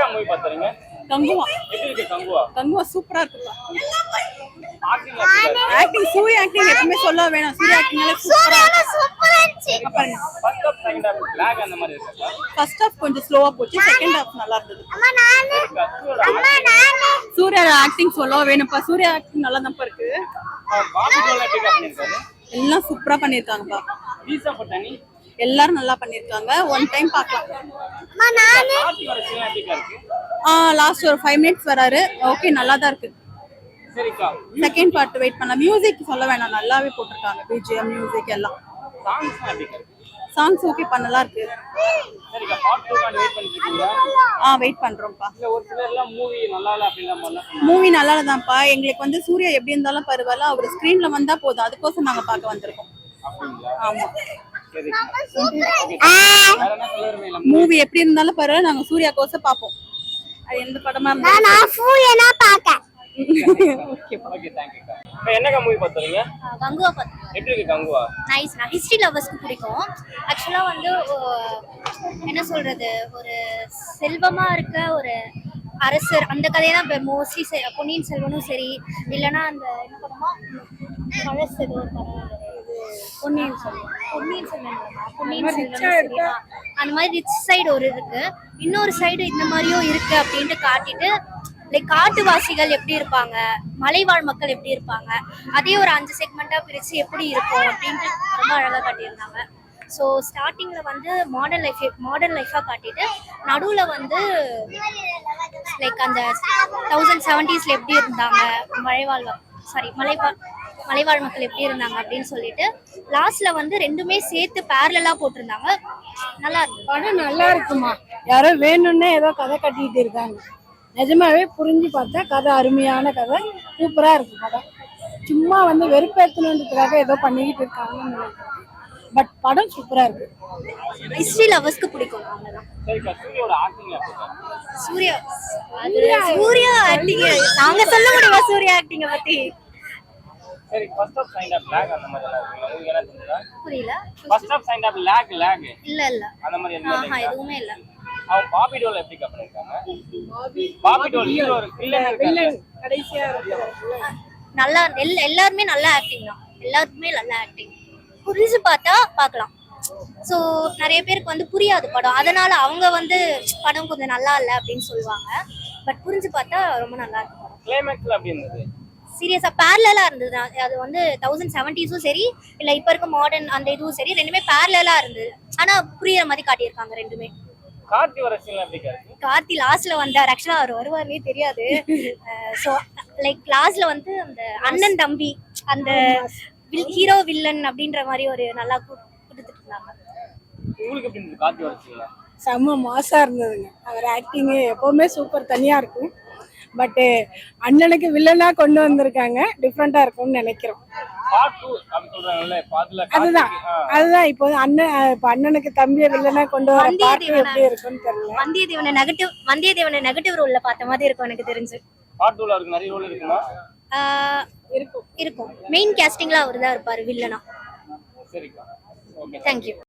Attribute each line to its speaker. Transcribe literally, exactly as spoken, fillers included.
Speaker 1: Movie பாத்தறீங்க?
Speaker 2: Kanguva.
Speaker 1: எப்படி இருக்கு கங்குவா?
Speaker 2: கங்குவா சூப்பரா இருக்குப்பா.
Speaker 1: ஆக்டிங் எப்படி இருக்கு?
Speaker 2: ஆக்டிங் சூர்யா ஆக்டிங் எப்பவுமே சொல்ல வேணாம். சூர்யா ஆக்டிங்னால சூப்பரா
Speaker 3: சூப்பரா இருந்துச்சு.
Speaker 1: First half second half lag அந்த மாதிரி இருக்கா?
Speaker 2: ஃபர்ஸ்ட் ஹாஃப் கொஞ்சம் ஸ்லோவா போச்சு, செகண்ட் ஹாஃப் நல்லா இருந்தது.
Speaker 3: அம்மா நானு அம்மா நானு
Speaker 2: சூர்யா ஆக்டிங் சொல்ல வேணும்ப்பா. சூர்யா ஆக்டிங் நல்லா தான் இருக்கு.
Speaker 1: பாபி டோல் எப்படி பண்ணிருக்காரு?
Speaker 2: எல்லாம் சூப்பரா பண்ணிருக்காங்கப்பா.
Speaker 1: ரீசா பட்டானி
Speaker 2: எல்லாரும் நல்லா பண்ணிருக்காங்க. ஒன் டைம் பார்க்கலாம்.
Speaker 3: அம்மா நானு
Speaker 1: கார்த்தி வர சீன் எப்படி இருக்கு?
Speaker 2: ஆ லாஸ்ட் ஒரு ஃபைவ் மினிட்ஸ் வராரு. ஓகே நல்லா தான் இருக்கு.
Speaker 1: சரிக்கா.
Speaker 2: செகண்ட் பார்ட் வெயிட் பண்ணலாம். மியூசிக் சொல்ல வேணாம், நல்லாவே போட்டிருக்காங்க. பிஜிஎம் மியூசிக் எல்லாம்.
Speaker 1: சாங்ஸ் எப்படி இருக்கு?
Speaker 2: சாங்ஸ் ஓகே பண்ணலாம் இருக்கு.
Speaker 1: சரிக்கா. பார்ட் டூ காண்டி வெயிட் பண்ணிட்டு இருக்கீங்களா?
Speaker 2: ஆ வெயிட் பண்றோம்ப்பா.
Speaker 1: இல்ல ஒரு சிலர் எல்லாம் மூவி நல்லா இல்ல அப்படின்ற மாதிரிலாம் சொன்னாங்க.
Speaker 2: மூவி நல்லா தான்ப்பா. எங்களுக்கு வந்து சூர்யா எப்படி இருந்தாலும் பரவாயில்ல, அவர் ஸ்கிரீன்ல வந்தா போதும். அதுக்கோசம் நாங்க பார்க்க வந்திருக்கோம்.
Speaker 1: அப்படிங்களா?
Speaker 2: ஆமா.
Speaker 1: சரி. வேற என்ன சொல்ல விரும்பல?
Speaker 2: மூவி எப்படி இருந்தாலும் பரவாயில்ல, நாங்க சூர்யா கோசம் பார்ப்போம். அது எந்த படமா
Speaker 3: நான்
Speaker 2: இருந்தாலும்.
Speaker 3: நான் ஃபூயனா பாக்க
Speaker 2: ஓகே
Speaker 1: ஓகே थैंक यू. இப்போ என்னக்கா மூவி பாத்தறீங்க?
Speaker 4: கங்குவா பார்த்து
Speaker 1: எப்படி இருக்கு கங்குவா?
Speaker 4: நைஸ். நான் ஹிஸ்ட்ரி லவர்ஸ்க்கு பிடிக்கும். ஆக்சுவலாக வந்து அஹ், என்ன சொல்றது, ஒரு செல்வமா இருக்க ஒரு அரசர் அந்த கதையை தான் இப்போ மோஸ்ட்லி பொன்னியின் செல்வனும் சரி, இல்லைன்னா அந்த என்ன படமா பழசு ஏதோ ஒரு படம் இது பொன்னியின் செல்வன் பொன்னியின் செல்வன் இல்லைம்மா, பொன்னியின் செல்வன் சரியா, அந்த மாதிரி ரிச் சைடு ஒரு இருக்கு, இன்னொரு சைடு இந்த மாதிரியும் இருக்கு அப்படின்ட்டு காட்டிட்டு, லைக் காட்டுவாசிகள் எப்படி இருப்பாங்க, மலைவாழ் மக்கள் எப்படி இருப்பாங்க, அதே ஒரு அஞ்சு செக்மெண்ட்டாக பிரித்து எப்படி இருக்கும் அப்படின்ட்டு ரொம்ப அழகாக காட்டியிருந்தாங்க. ஸோ ஸ்டார்டிங்கில் வந்து மாடர்ன் லைஃப் மாடர்ன் லைஃபாக காட்டிட்டு, நடுவில் வந்து லைக் அந்த தௌசண்ட் செவன்டீஸில் எப்படி இருந்தாங்க, மலைவாழ் சாரி மலைவாழ் மலைவாழ் மக்கள் எப்படி இருந்தாங்க அப்படின்னு சொல்லிட்டு லாஸ்ட்ல வந்து ரெண்டுமே சேர்த்து பேரலா போட்டிருந்தாங்க. நல்லா இருக்கு
Speaker 5: படம். நல்லா இருக்குமா. யாரோ வேணும்னே ஏதோ கதை கட்டிட்டு இருக்காங்க. நிஜமாவே புரிஞ்சு பார்த்தா கதை அருமையான கதை, சூப்பரா இருக்கு படம். சும்மா வந்து வெறுப்பேற்றணுன்றதுக்காக ஏதோ பண்ணிக்கிட்டு இருக்காங்கன்னு நினைக்கிறேன். பட் படம் சூப்பரா இருக்கு.
Speaker 4: ஹிஸ்டரி லவர்ஸ்க்கு பிடிக்கும். அவ்வளவுதான்.
Speaker 1: சரிக்கா. சூரியோட ஆக்டிங் எப்படி இருக்கு?
Speaker 4: சூர்யா அது சூர்யா ஆக்டிங் நாங்க சொல்ல முடியுமா சூர்யா ஆக்டிங்க பத்தி?
Speaker 1: சரி. First half second half lag அந்த மாதிரி எல்லாம் இருக்கு. உங்களுக்கு என்ன தெரியுதா?
Speaker 4: புரியல.
Speaker 1: First half second half lag lag
Speaker 4: இல்ல இல்ல
Speaker 1: அந்த மாதிரி எதுவுமே
Speaker 4: ஆஹா
Speaker 1: இல்லையா?
Speaker 4: எதுவுமே இல்ல.
Speaker 1: அவன் பாபி டோல் எப்படி பண்ணிருக்காங்க? பாபி டோல் ஹீரோ வில்லன் இருக்காங்க.
Speaker 5: கடைசியா இருக்கு.
Speaker 4: நல்லா எல் எல்லாருமே நல்ல ஆக்டிங் தான். எல்லாருக்குமே நல்ல ஆக்டிங். புரிஞ்சு பார்த்தா பார்க்கலாம். ஸோ நிறைய பேருக்கு வந்து புரியாது படம், அதனால அவங்க வந்து படம் கொஞ்சம் நல்லா இல்லை அப்படின்னு சொல்லுவாங்க. பட் புரிஞ்சு பார்த்தா ரொம்ப நல்லா இருக்கு படம்.
Speaker 1: கிளைமேக்ஸ்ல அப்படி இருந்தது.
Speaker 4: சீரியஸா பேரலா இருந்தது. அது வந்து தௌசண்ட் செவன்டீஸும் சரி, இல்லை இப்போ இருக்க மாடர்ன் அந்த இதுவும் சரி, ரெண்டுமே பேரலா இருந்தது. ஆனா புரியுற மாதிரி காட்டியிருக்காங்க ரெண்டுமே.
Speaker 1: கார்த்தி வர சீன்ல எப்படி இருக்கு?
Speaker 4: கார்த்தி லாஸ்ட்ல வந்தார். ஆக்சுவலா அவர் வருவார்னே தெரியாது. ஸோ லைக் லாஸ்ட்ல வந்து அந்த அண்ணன் தம்பி அந்த ஹீரோ வில்லன் அப்படின்ற மாதிரி ஒரு நல்லா கொடுத்துட்டு இருந்தாங்க.
Speaker 1: உங்களுக்கு எப்படி இருந்தது கார்த்தி வர சீன்ல?
Speaker 5: செம்ம மாசா இருந்ததுங்க. அவர் ஆக்டிங்கு எப்பவுமே சூப்பர், தனியா இருக்கும். பட்டு அண்ணனுக்கு வில்லனா கொண்டு வந்திருக்காங்க, டிஃப்ரெண்டா இருக்கும்னு நினைக்கிறோம்.
Speaker 1: பார்ட் டூ அப்படி சொல்றாங்கல்ல, பாத்துல
Speaker 5: அதுதான் அதுதான் இப்போ அண்ணன் இப்போ அண்ணனுக்கு தம்பியை வில்லனா கொண்டு வர பார்ட் எப்படி இருக்கும்னு தெரியல.
Speaker 4: வந்தியத்தேவனை நெகட்டிவ் வந்தியத்தேவனை நெகட்டிவ் ரோல்ல பார்த்த மாதிரி இருக்கும் எனக்கு தெரிஞ்சு.
Speaker 1: பார்ட் டூல இருக்கு நிறைய ரோல் இருக்குமா?
Speaker 4: இருக்கும் இருக்கும் மெயின் கேஸ்டிங்ல அவர் தான் இருப்பாரு வில்லனா.
Speaker 1: சரிக்கா. ஓகே.
Speaker 4: தேங்க்யூ.